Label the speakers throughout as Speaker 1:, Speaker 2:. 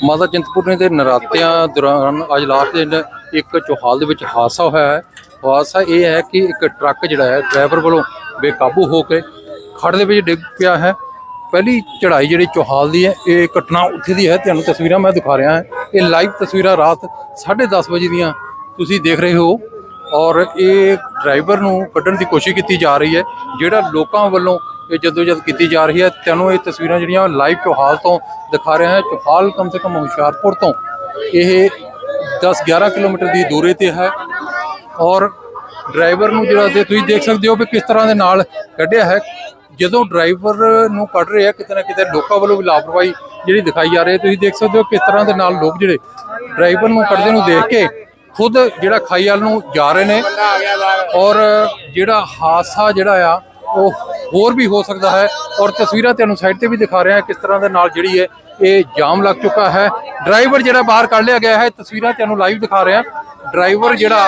Speaker 1: ਮਾਤਾ ਚਿੰਤਪੁਰਨੀ ਦੇ ਨਰਾਤਿਆਂ ਦੌਰਾਨ ਅੱਜ ਲਾਸਟ ਦਿਨ ਇੱਕ ਚੌਹਾਲ ਦੇ ਵਿੱਚ ਹਾਦਸਾ ਹੋਇਆ ਹੈ। ਹਾਦਸਾ ਇਹ ਹੈ ਕਿ ਇੱਕ ਟਰੱਕ ਜਿਹੜਾ ਹੈ ਡਰਾਈਵਰ ਵੱਲੋਂ ਬੇਕਾਬੂ ਹੋ ਕੇ ਖੱਡ ਦੇ ਵਿੱਚ ਡਿੱਗ ਪਿਆ ਹੈ। ਪਹਿਲੀ ਚੜ੍ਹਾਈ ਜਿਹੜੀ ਚੌਹਾਲ ਦੀ ਹੈ ਇਹ ਘਟਨਾ ਉੱਥੇ ਦੀ ਹੈ। ਤੁਹਾਨੂੰ ਤਸਵੀਰਾਂ ਮੈਂ ਦਿਖਾ ਰਿਹਾ ਹਾਂ, ਇਹ ਲਾਈਵ ਤਸਵੀਰਾਂ ਰਾਤ 10:30 ਵਜੇ ਦੀਆਂ ਤੁਸੀਂ ਦੇਖ ਰਹੇ ਹੋ ਔਰ ਇਹ ਡਰਾਈਵਰ ਨੂੰ ਕੱਢਣ ਦੀ ਕੋਸ਼ਿਸ਼ ਕੀਤੀ ਜਾ ਰਹੀ ਹੈ, ਜਿਹੜਾ ਲੋਕਾਂ ਵੱਲੋਂ ਇਹ ਜਦੋਜਦ ਕੀਤੀ ਜਾ ਰਹੀ ਹੈ। ਤੁਹਾਨੂੰ ਇਹ ਤਸਵੀਰਾਂ ਜਿਹੜੀਆਂ ਲਾਈਵ ਚੌਹਾਲ ਤੋਂ ਦਿਖਾ ਰਿਹਾ ਹਾਂ। ਚੌਹਾਲ ਕਮ ਸੇ ਕਮ ਹੁਸ਼ਿਆਰਪੁਰ ਤੋਂ ਇਹ 10-11 ਕਿਲੋਮੀਟਰ ਦੀ ਦੂਰੀ ਤੇ ਹੈ ਔਰ ਡਰਾਈਵਰ ਨੂੰ ਜਿਹੜਾ ਤੁਸੀਂ ਦੇਖ ਸਕਦੇ ਹੋ ਵੀ ਕਿਸ ਤਰ੍ਹਾਂ ਦੇ ਨਾਲ ਕੱਢਿਆ ਹੈ। ਜਦੋਂ ਡਰਾਈਵਰ ਨੂੰ ਕੱਢ ਰਹੇ ਆ ਕਿਤੇ ਨਾ ਕਿਤੇ ਲੋਕਾਂ ਵੱਲੋਂ ਵੀ ਲਾਪਰਵਾਹੀ ਜਿਹੜੀ ਦਿਖਾਈ ਜਾ ਰਹੀ ਹੈ। ਤੁਸੀਂ ਦੇਖ ਸਕਦੇ ਹੋ ਕਿਸ ਤਰ੍ਹਾਂ ਦੇ ਨਾਲ ਲੋਕ ਜਿਹੜੇ ਡਰਾਈਵਰ ਨੂੰ ਕੱਢਦੇ ਨੂੰ ਦੇਖ ਕੇ ਖੁਦ ਜਿਹੜਾ ਖਾਈ ਵੱਲ ਨੂੰ ਜਾ ਰਹੇ ਨੇ ਔਰ ਜਿਹੜਾ ਹਾਦਸਾ ਜਿਹੜਾ ਆ ਉਹ ਹੋਰ ਵੀ ਹੋ ਸਕਦਾ ਹੈ। ਔਰ ਤਸਵੀਰਾਂ ਤੁਹਾਨੂੰ ਸਾਈਡ ਤੇ ਵੀ ਦਿਖਾ ਰਿਹਾ ਕਿਸ ਤਰ੍ਹਾਂ ਦੇ ਨਾਲ ਜਿਹੜੀ ਹੈ ਇਹ ਜਾਮ ਲੱਗ ਚੁੱਕਾ ਹੈ। ਡਰਾਈਵਰ ਜਿਹੜਾ ਬਾਹਰ ਕੱਢ ਲਿਆ ਗਿਆ ਹੈ, ਤਸਵੀਰਾਂ ਤੁਹਾਨੂੰ ਲਾਈਵ ਦਿਖਾ ਰਿਹਾ। ਡਰਾਈਵਰ ਜਿਹੜਾ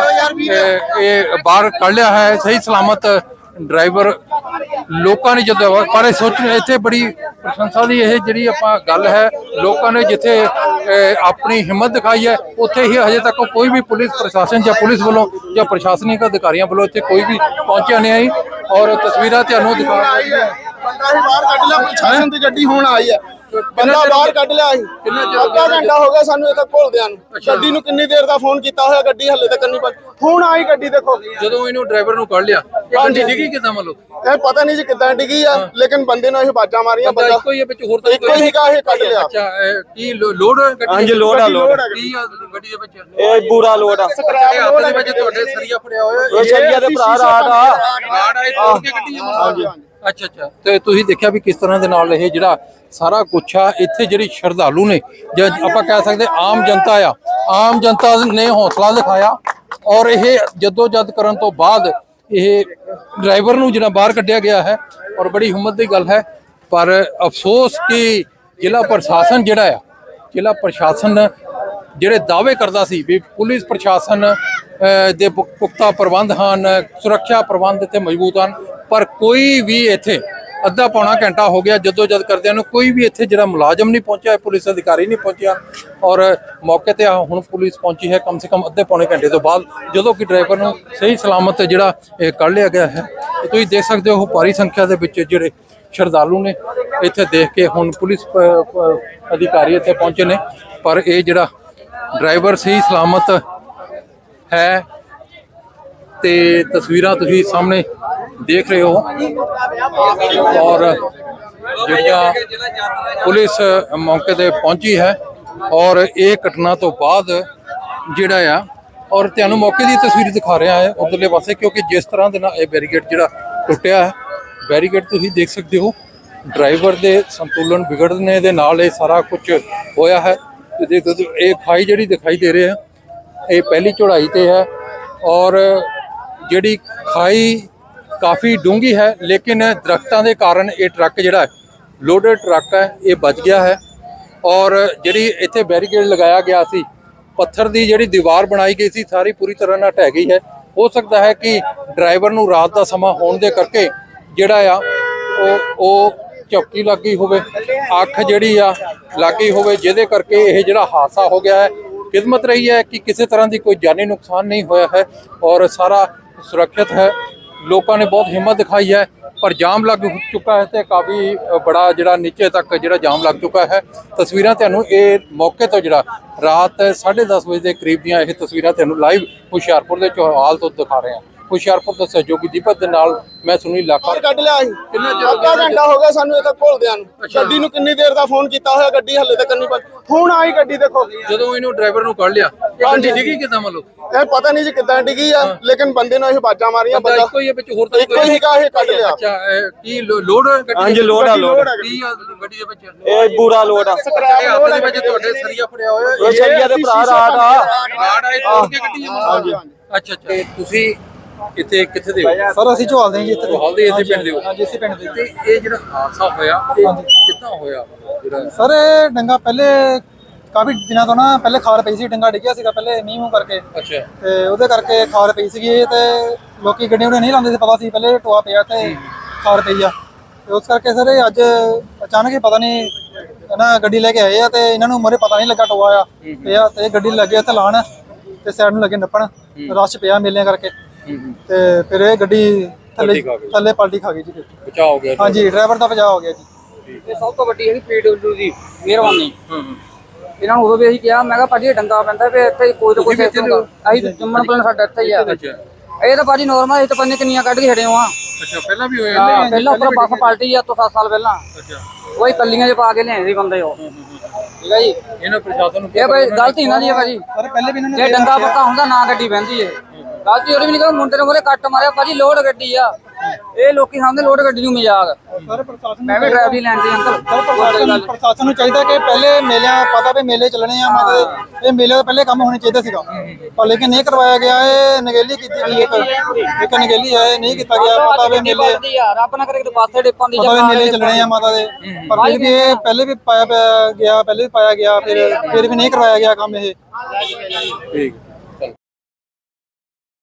Speaker 1: ਇਹ ਬਾਹਰ ਕੱਢ ਲਿਆ ਹੈ ਸਹੀ ਸਲਾਮਤ। ਡਰਾਈਵਰ ਲੋਕਾਂ ਨੇ ਜਦੋਂ ਪਰ ਸੋਚ ਇੱਥੇ ਬੜੀ ਪ੍ਰਸ਼ੰਸਾ ਦੀ ਇਹ ਜਿਹੜੀ ਆਪਾਂ ਗੱਲ ਹੈ, ਲੋਕਾਂ ਨੇ ਜਿੱਥੇ ਆਪਣੀ ਹਿੰਮਤ ਦਿਖਾਈ ਹੈ ਉੱਥੇ ਹੀ ਹਜੇ ਤੱਕ ਕੋਈ ਵੀ ਪੁਲਿਸ ਪ੍ਰਸ਼ਾਸਨ ਜਾਂ ਪੁਲਿਸ ਵੱਲੋਂ ਜਾਂ ਪ੍ਰਸ਼ਾਸਨਿਕ ਅਧਿਕਾਰੀਆਂ ਵੱਲੋਂ ਇੱਥੇ ਕੋਈ ਵੀ ਪਹੁੰਚਿਆ ਨਹੀਂ ਆਈ। ਔਰ ਤਸਵੀਰਾਂ ਤੁਹਾਨੂੰ ਦਿਖਾ ਰਹੀ ਹੈ।
Speaker 2: ਬੰਦਾ ਹੀ ਬਾਹਰ ਕੱਢ ਲਿਆ, ਪ੍ਰਸ਼ਾਸਨ ਦੀ ਗੱਡੀ ਹੁਣ ਆਈ ਹੈ। ਬੰਦਾ ਬਾਹਰ ਕੱਢ ਲਿਆ ਸੀ। ਅੱਧਾ ਘੰਟਾ ਹੋ ਗਿਆ ਸਾਨੂੰ ਇੱਥੇ ਘੋਲਦਿਆਂ ਨੂੰ। ਗੱਡੀ ਨੂੰ ਕਿੰਨੀ ਦੇਰ ਦਾ ਫੋਨ ਕੀਤਾ ਹੋਇਆ, ਗੱਡੀ ਹੱਲੇ ਤੱਕ ਨਹੀਂ ਪਹੁੰਚੀ। ਹੁਣ ਆਈ ਗੱਡੀ ਦੇਖੋ।
Speaker 1: ਜਦੋਂ ਇਹਨੂੰ ਡਰਾਈਵਰ ਨੂੰ ਕੱਢ ਲਿਆ ਗੱਡੀ ਡਿੱਗੀ ਕਿਦਾਂ ਮਤਲਬ
Speaker 2: ਇਹ ਪਤਾ ਨਹੀਂ ਜੀ ਕਿੱਦਾਂ ਡਿੱਗੀ ਆ, ਲੇਕਿਨ ਬੰਦੇ ਨੂੰ ਇਹ ਬਾਜਾਂ ਮਾਰੀਆਂ। ਬੰਦਾ
Speaker 1: ਇੱਕੋ ਹੀ ਹੈ ਵਿੱਚ ਹੋਰ ਤਾਂ
Speaker 2: ਇੱਕੋ ਹੀ ਕਾ ਇਹ ਕੱਢ ਲਿਆ।
Speaker 1: ਅੱਛਾ ਕੀ ਲੋਡ ਗੱਡੀ?
Speaker 3: ਹਾਂਜੀ ਲੋਡ ਆ, ਲੋਡ
Speaker 1: ਕੀ ਆ ਗੱਡੀ ਦੇ ਵਿੱਚ?
Speaker 3: ਇਹ ਪੂਰਾ ਲੋਡ ਆ।
Speaker 1: ਹੱਥ ਦੇ ਵਿੱਚ ਤੁਹਾਡੇ ਸਰੀਆ ਫੜਿਆ ਹੋਇਆ
Speaker 3: ਇਹ ਸਰੀਆ ਦੇ ਭਰਾ ਰਾਤ ਆ
Speaker 1: ਰਾੜ ਆਏ ਤੋੜ ਕੇ ਗੱਡੀ ਹਾਂਜੀ। ਅੱਛਾ ਅੱਛਾ, ਤੇ ਤੁਸੀਂ ਦੇਖਿਆ ਵੀ ਕਿਸ ਤਰ੍ਹਾਂ ਦੇ ਨਾਲ ਇਹ ਜਿਹੜਾ ਸਾਰਾ ਕੁਛ ਆ ਇੱਥੇ ਜਿਹੜੀ ਸ਼ਰਧਾਲੂ ਨੇ ਜਾਂ ਆਪਾਂ ਕਹਿ ਸਕਦੇ ਆਮ ਜਨਤਾ ਆ, ਆਮ ਜਨਤਾ ਨੇ ਹੌਸਲਾ ਦਿਖਾਇਆ ਔਰ ਇਹ ਜੱਦੋ ਜਦ ਕਰਨ ਤੋਂ ਬਾਅਦ ਇਹ ਡਰਾਈਵਰ ਨੂੰ ਜਿਹੜਾ ਬਾਹਰ ਕੱਢਿਆ ਗਿਆ ਹੈ ਔਰ ਬੜੀ ਹਿੰਮਤ ਦੀ ਗੱਲ ਹੈ। ਪਰ ਅਫਸੋਸ ਕਿ ਜ਼ਿਲ੍ਹਾ ਪ੍ਰਸ਼ਾਸਨ ਜਿਹੜਾ ਆ, ਜ਼ਿਲ੍ਹਾ ਪ੍ਰਸ਼ਾਸਨ ਜਿਹੜੇ ਦਾਅਵੇ ਕਰਦਾ ਸੀ ਵੀ ਪੁਲਿਸ ਪ੍ਰਸ਼ਾਸਨ ਦੇ ਪੁਖਤਾ ਪ੍ਰਬੰਧ ਹਨ, ਸੁਰੱਖਿਆ ਪ੍ਰਬੰਧ ਇੱਥੇ ਮਜ਼ਬੂਤ ਹਨ, ਪਰ ਕੋਈ ਵੀ ਇੱਥੇ ਅੱਧਾ ਪੌਣਾ ਘੰਟਾ ਹੋ ਗਿਆ ਜਦੋਂ ਜਦ ਕਰਦਿਆਂ ਨੂੰ ਕੋਈ ਵੀ ਇੱਥੇ ਜਿਹੜਾ ਮੁਲਾਜ਼ਮ ਨਹੀਂ ਪਹੁੰਚਿਆ, ਪੁਲਿਸ ਅਧਿਕਾਰੀ ਨਹੀਂ ਪਹੁੰਚਿਆ। ਔਰ ਮੌਕੇ ਤੇ ਹੁਣ ਪੁਲਿਸ ਪਹੁੰਚੀ ਹੈ ਕਮ ਸੇ ਕਮ ਅੱਧੇ ਪੌਣੇ ਘੰਟੇ ਤੋਂ ਬਾਅਦ, ਜਦੋਂ ਕਿ ਡਰਾਈਵਰ ਨੂੰ ਸਹੀ ਸਲਾਮਤ ਜਿਹੜਾ ਇਹ ਕੱਢ ਲਿਆ ਗਿਆ ਹੈ। ਤੁਸੀਂ ਦੇਖ ਸਕਦੇ ਹੋ ਭਾਰੀ ਸੰਖਿਆ ਦੇ ਵਿੱਚ ਜਿਹੜੇ ਸ਼ਰਧਾਲੂ ਨੇ ਇੱਥੇ ਦੇਖ ਕੇ ਹੁਣ ਪੁਲਿਸ ਅਧਿਕਾਰੀ ਇੱਥੇ ਪਹੁੰਚੇ ਨੇ, ਪਰ ਇਹ ਜਿਹੜਾ ਡਰਾਈਵਰ ਸਹੀ ਸਲਾਮਤ ਹੈ ਤੇ ਤਸਵੀਰਾਂ ਤੁਸੀਂ ਸਾਹਮਣੇ ਦੇਖ ਰਹੇ ਹੋ। ਔਰ ਜਿਹੜੀਆਂ ਪੁਲਿਸ ਮੌਕੇ ਤੇ ਪਹੁੰਚੀ ਹੈ ਔਰ ਇਹ ਘਟਨਾ ਤੋਂ ਬਾਅਦ ਜਿਹੜਾ ਆ ਔਰ ਤੁਹਾਨੂੰ ਮੌਕੇ ਦੀ ਤਸਵੀਰ ਦਿਖਾ ਰਿਹਾ ਹੈ ਉਧਰਲੇ ਪਾਸੇ, ਕਿਉਂਕਿ ਜਿਸ ਤਰ੍ਹਾਂ ਦੇ ਨਾਲ ਇਹ ਬੈਰੀਕੇਡ ਜਿਹੜਾ ਟੁੱਟਿਆ ਹੈ, ਬੈਰੀਕੇਡ ਤੁਸੀਂ ਦੇਖ ਸਕਦੇ ਹੋ ਡਰਾਈਵਰ ਦੇ ਸੰਤੁਲਨ ਵਿਗੜਨੇ ਦੇ ਨਾਲ ਇਹ ਸਾਰਾ ਕੁਝ ਹੋਇਆ ਹੈ। ਤੇ ਦੇਖ ਸਕਦੇ ਹੋ ਇਹ ਖਾਈ ਜਿਹੜੀ ਦਿਖਾਈ ਦੇ ਰਹੀ ਹੈ ਇਹ ਪਹਿਲੀ ਚੜ੍ਹਾਈ ਤੇ ਹੈ ਔਰ ਜਿਹੜੀ ਖਾਈ ਕਾਫੀ ਡੂੰਘੀ ਹੈ, ਲੇਕਿਨ ਦਰਖਤਾਂ ਦੇ ਕਾਰਨ ਇਹ ਟਰੱਕ ਜਿਹੜਾ ਲੋਡਡ ਟਰੱਕ ਹੈ ਇਹ ਬਚ ਗਿਆ ਹੈ। ਔਰ ਜਿਹੜੀ ਇੱਥੇ ਬੈਰੀਕੇਡ ਲਗਾਇਆ ਗਿਆ ਸੀ, ਪੱਥਰ ਦੀ ਜਿਹੜੀ ਦੀਵਾਰ ਬਣਾਈ ਗਈ ਸੀ, ਸਾਰੀ ਪੂਰੀ ਤਰ੍ਹਾਂ ਨਾਲ ਢਹਿ ਗਈ ਹੈ। ਹੋ ਸਕਦਾ ਹੈ ਕਿ ਡਰਾਈਵਰ ਨੂੰ ਰਾਤ ਦਾ ਸਮਾਂ ਹੋਣ ਦੇ ਕਰਕੇ ਜਿਹੜਾ ਆ ਉਹ ਝਪਕੀ ਲੱਗ ਗਈ ਹੋਵੇ, ਅੱਖ ਜਿਹੜੀ ਆ ਲੱਗ ਗਈ ਹੋਵੇ, ਜਿਹਦੇ ਕਰਕੇ ਇਹ ਜਿਹੜਾ ਹਾਦਸਾ ਹੋ ਗਿਆ ਹੈ। ਕਿਸਮਤ ਰਹੀ ਹੈ ਕਿ ਕਿਸੇ ਤਰ੍ਹਾਂ ਦੀ ਕੋਈ ਜਾਨੀ ਨੁਕਸਾਨ ਨਹੀਂ ਹੋਇਆ ਹੈ ਔਰ ਸਾਰਾ ਸੁਰੱਖਿਅਤ ਹੈ। ਲੋਕਾਂ ਨੇ ਬਹੁਤ ਹਿੰਮਤ ਦਿਖਾਈ ਹੈ, ਪਰ ਜਾਮ ਲੱਗ ਚੁੱਕਾ ਹੈ ਤੇ ਕਾਫੀ ਬੜਾ ਜਿਹੜਾ ਨੀਚੇ ਤੱਕ ਜਿਹੜਾ ਜਾਮ ਲੱਗ ਚੁੱਕਾ ਹੈ। ਤਸਵੀਰਾਂ ਤੁਹਾਨੂੰ ਇਹ ਮੌਕੇ ਤੋਂ ਜਿਹੜਾ ਰਾਤ 10:30 ਵਜੇ ਦੇ ਕਰੀਬ ਦੀਆਂ ਇਹ ਤਸਵੀਰਾਂ ਤੁਹਾਨੂੰ ਲਾਈਵ ਹੁਸ਼ਿਆਰਪੁਰ ਦੇ ਚੌਹਾਲ ਤੋਂ ਦਿਖਾ ਰਹੇ ਹਾਂ। ਹੁਸ਼ਿਆਰਪੁਰ ਤੋਂ ਸਹਿਯੋਗੀ ਦੀਪਕ ਦੇ ਨਾਲ ਮੈਂ ਸੁਨੀਲ ਲਾਖਾ।
Speaker 2: ਕੱਢ ਲਿਆ ਸੀ। ਅੱਧਾ ਘੰਟਾ ਹੋ ਗਿਆ ਸਾਨੂੰ ਇੱਥੇ ਘੋਲਦਿਆਂ ਨੂੰ। ਗੱਡੀ ਨੂੰ ਕਿੰਨੀ ਦੇਰ ਦਾ ਫੋਨ ਕੀਤਾ ਹੋਇਆ, ਗੱਡੀ ਹੱਲੇ ਤੱਕ ਨਹੀਂ ਪਹੁੰਚੀ। ਹੁਣ ਆਈ ਗੱਡੀ ਦੇਖੋ।
Speaker 1: ਜਦੋਂ ਇਹਨੂੰ ਡਰਾਈਵਰ ਨੂੰ ਕੱਢ ਲਿਆ ਗੱਡੀ ਡਿੱਗੀ ਕਿਦਾਂ ਮਤਲਬ
Speaker 2: ਇਹ ਪਤਾ ਨਹੀਂ ਜੀ ਕਿੱਦਾਂ ਡਿੱਗੀ ਆ, ਲੇਕਿਨ ਬੰਦੇ ਨੂੰ ਇਹ ਬਾਜਾਂ ਮਾਰੀਆਂ। ਬੰਦਾ
Speaker 1: ਇੱਕੋ ਹੀ ਹੈ ਵਿੱਚ ਹੋਰ ਤਾਂ
Speaker 2: ਇੱਕੋ ਹੀ ਕਾ ਇਹ ਕੱਢ ਲਿਆ।
Speaker 1: ਅੱਛਾ ਕੀ ਲੋਡ ਗੱਡੀ?
Speaker 3: ਹਾਂਜੀ ਲੋਡ ਆ, ਲੋਡ
Speaker 1: ਕੀ ਆ ਗੱਡੀ ਦੇ ਵਿੱਚ?
Speaker 3: ਇਹ ਪੂਰਾ ਲੋਡ ਆ।
Speaker 1: ਹੱਥ ਦੇ ਵਿੱਚ ਤੁਹਾਡੇ ਸਰੀਆ ਫੜਿਆ ਹੋਇਆ
Speaker 3: ਇਹ ਸਰੀਆ ਦੇ ਭਰਾ ਰਾਤ ਆ
Speaker 1: ਰਾੜ ਆਏ ਤੋੜ ਕੇ ਗੱਡੀ ਹਾਂਜੀ। ਅੱਛਾ ਅੱਛਾ, ਤੁਸੀਂ ਇੱਥੇ ਕਿੱਥੇ ਦੇ ਹੋ?
Speaker 4: ਸਰ ਅਸੀਂ ਝੋਲ ਦੇ ਜੀ ਇੱਥੇ
Speaker 1: ਝੋਲ ਦੇ ਇਸੇ ਪਿੰਡ ਦੇ ਹੋ?
Speaker 4: ਹਾਂਜੀ ਇਸੇ ਪਿੰਡ ਦੇ।
Speaker 1: ਤੇ ਇਹ ਜਿਹੜਾ ਹਾਦਸਾ ਹੋਇਆ ਇਹ ਕਿੱਦਾਂ ਹੋਇਆ? ਜਿਹੜਾ
Speaker 4: ਸਰ ਇਹ ਡੰਗਾ ਪਹਿਲੇ ਕਾਫੀ ਦਿਨਾਂ ਤੋਂ ਨਾ ਪਹਿਲੇ ਖਾਰ ਪਈ ਸੀ, ਡੰਗਾ ਡਿੱਗਿਆ ਸੀਗਾ ਪਹਿਲੇ ਮੀਂਹ ਕਰਕੇ।
Speaker 1: ਅੱਛਾ,
Speaker 4: ਤੇ ਉਹਦੇ ਕਰਕੇ ਖਾਰ ਪਈ ਸੀਗੀ ਤੇ ਲੋਕੀ ਗੱਡੀਆਂ ਨਹੀਂ ਲਾਉਂਦੇ ਸੀ, ਪਤਾ ਸੀ ਪਹਿਲੇ ਟੋਆ ਪਿਆ ਤੇ ਖਾਰ ਪਈ ਆ, ਤੇ ਉਸ ਕਰਕੇ ਸਰ ਇਹ ਅੱਜ ਅਚਾਨਕ ਹੀ ਪਤਾ ਨਹੀਂ ਨਾ ਗੱਡੀ ਲੈ ਕੇ ਆਏ ਆ ਤੇ ਇਹਨਾਂ ਨੂੰ ਮੋਰੇ ਪਤਾ ਨਹੀਂ ਲੱਗਾ ਟੋਆ ਆ ਪਿਆ ਤੇ ਇਹ ਗੱਡੀ ਲੱਗੇ ਇੱਥੇ ਲਾਣ ਤੇ ਸਾਈਡ ਨੂੰ ਲੱਗੇ ਨੱਪਣ ਰਸ਼ ਪਿਆ ਮੇਲਿਆਂ ਕਰਕੇ ਤੇ ਫਿਰ ਇਹ ਗੱਡੀ ਥੱਲੇ ਪਲਟੀ ਖਾ ਗਈ ਜੀ
Speaker 1: ਬਚਾਅ ਹੋ ਗਿਆ
Speaker 4: ਹਾਂਜੀ ਡਰਾਈਵਰ ਦਾ ਬਚਾਅ ਹੋ ਗਿਆ ਜੀ
Speaker 5: ਇਹ ਸਭ ਤੋਂ ਵੱਡੀ ਹੈਗੀ ਪੀਡਬਲਯੂ ਦੀ ਮਿਹਰਬਾਨੀ ਇਹਨਾਂ ਨੂੰ ਉਦੋਂ ਵੀ ਅਸੀਂ ਕਿਹਾ ਮੈਂ ਕਿਹਾ ਭਾਜੀ ਇਹ ਡੰਗਾ ਪੈਂਦਾ ਵੀ ਇੱਥੇ ਕੋਈ ਨਾ ਕੋਈ ਸਿਸਟਮ ਅਸੀਂ ਜੰਮਣ ਪਲਣ ਸਾਡਾ ਇੱਥੇ ਹੀ ਆ ਇਹ ਤਾਂ ਭਾਜੀ ਨੋਰਮਲ ਇਹ ਤਾਂ ਪੰਨੇ ਕਿੰਨੀਆਂ ਕੱਢ ਕੇ ਛੜੇ ਆ
Speaker 1: ਅੱਛਾ ਪਹਿਲਾਂ ਵੀ ਹੋਏ
Speaker 5: ਹਾਂ ਪਹਿਲਾਂ ਉੱਪਰ ਬੱਸ ਪਲਟੀ ਆ ਤੋਂ 7 ਸਾਲ ਪਹਿਲਾਂ
Speaker 1: ਅੱਛਾ
Speaker 5: ਉਹੀ ਕੱਲੀਆਂ 'ਚ ਪਾ ਕੇ ਲਿਆਏ ਸੀ ਬੰਦੇ ਉਹ ਠੀਕ ਹੈ ਜੀ
Speaker 1: ਇਹਨਾਂ ਪ੍ਰਸ਼ਾਸਨ ਨੂੰ
Speaker 5: ਇਹ ਭਾਈ ਗਲਤੀ ਇਹਨਾਂ ਦੀ ਹੈ ਭਾਜੀ
Speaker 4: ਪਰ ਪਹਿਲੇ ਵੀ ਇਹਨਾਂ ਨੇ
Speaker 5: ਜੇ ਡੰਗਾ ਪੱਕਾ ਹੁੰਦਾ ਨਾ ਗੱਡੀ ਬਹਿੰਦੀ ਏ ਗਲਤੀ ਉਹਦੀ ਵੀ ਨਹੀਂ ਕਿ ਮੁੰਡੇ ਨੇ ਮੋਰੇ ਕੱਟ ਮਾਰਿਆ ਭਾਜੀ ਲੋਡ ਗੱਡੀ ਆ ਇਹ ਲੋਕੀ ਸਾਹਮਣੇ ਲੋਡ ਗੱਡੀ ਨੂੰ ਮਜ਼ਾਕ
Speaker 4: ਸਰ ਪ੍ਰਸ਼ਾਸਨ
Speaker 5: ਮੈਂ ਵੀ ਡਰਾਈਵਰੀ ਲੈਣ ਤੇ ਅੰਕਲ
Speaker 4: ਪ੍ਰਸ਼ਾਸਨ ਨੂੰ ਚਾਹੀਦਾ ਕਿ ਪਹਿਲੇ ਮੇਲਿਆਂ ਪਤਾ ਵੀ ਮੇਲੇ ਚੱਲਣੇ ਆ ਮਤਲਬ ਇਹ ਮੇਲੇ ਤੋਂ ਪਹਿਲੇ ਕੰਮ ਹੋਣੇ ਚਾਹੀਦਾ ਸੀਗਾ ਪਰ ਲੇਕਿਨ ਨਹੀਂ ਕਰਵਾਇਆ ਗਿਆ ਇਹ ਨਗੇਲੀ ਕੀਤੀ ਗਈ ਇੱਕ ਨਗੇਲੀ ਹੈ ਨਹੀਂ ਕੀਤਾ ਗਿਆ ਪਤਾ ਵੀ ਮੇਲੇ
Speaker 5: ਰੱਬ ਨਾ ਕਰੇ ਕਿ ਪਾਸੇ ਡਿੱਪਾਂ ਦੀ
Speaker 4: ਪਤਾ ਵੀ ਮੇਲੇ ਚੱਲਣੇ ਆ ਮਾਤਾ ਦੇ ਪਰ ਫਿਰ ਵੀ ਇਹ ਪਹਿਲੇ ਵੀ ਪਾਇਆ ਗਿਆ ਫਿਰ ਵੀ ਨਹੀਂ ਕਰਵਾਇਆ ਗਿਆ ਕੰਮ ਇਹ
Speaker 1: ਠੀਕ